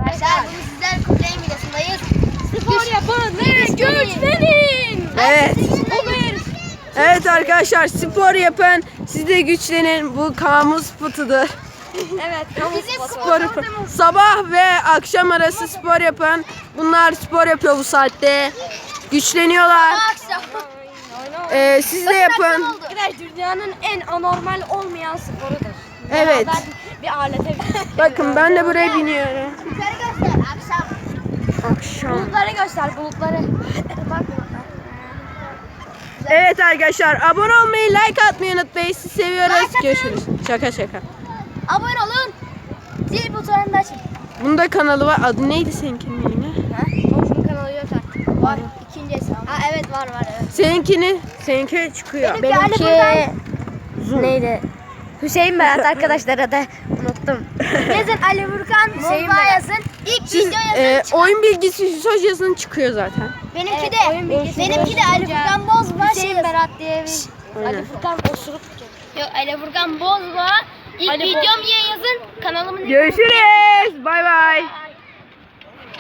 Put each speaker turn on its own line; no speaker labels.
arkadaşlar. Bugün sizler Kutlay'ın videosundayız.
Spor yapın ve güçlenin.
Evet.
Evet arkadaşlar, spor yapın, siz de güçlenin. Bu kamu spotudur.
Evet.
Bizim
Spor yapın. Sabah ve akşam arası spor yapın. Bunlar spor yapıyor bu saatte. Güçleniyorlar.
Akşam.
Siz de yapın.
Arkadaşlar dünyanın en anormal olmayan sporudur.
Evet.
Beraber bir alete
Bakın ben de buraya biniyorum.
Yukarı göster. Akşam.
Akşam.
bulutları göster bulutları. Bak bulutlar.
Evet arkadaşlar, abone olmayı, like atmayı unutmayın. Sizi seviyoruz. Görüşürüz. Şaka şaka.
Abone olun. Zil butonunu da açın.
Bunda kanalı var. Adı neydi seninkinin yine?
Olsun kanalı yok artık.
Var. İkinci hesabı. Evet var evet.
Seninki çıkıyor.
Benimki neydi? Hüseyin Berat arkadaşlara da unuttum.
Yazın Ali Vurkan
Hüseyin
Bozba
Berat.
yazın. İlk
Siz,
video yazın.
oyun bilgisi Hüsoş yazın çıkıyor zaten.
Benimki
Evet,
de.
oyun bilgisi
Benimki de Ali Vurkan Bozba
Hüseyin
yazın.
Berat diye bir
Aynen.
Ali Furkan osuruk.
Yok Ali Vurkan Bozba. İlk
Ali
videom diye yazın. Kanalımın
Görüşürüz. Bay bay.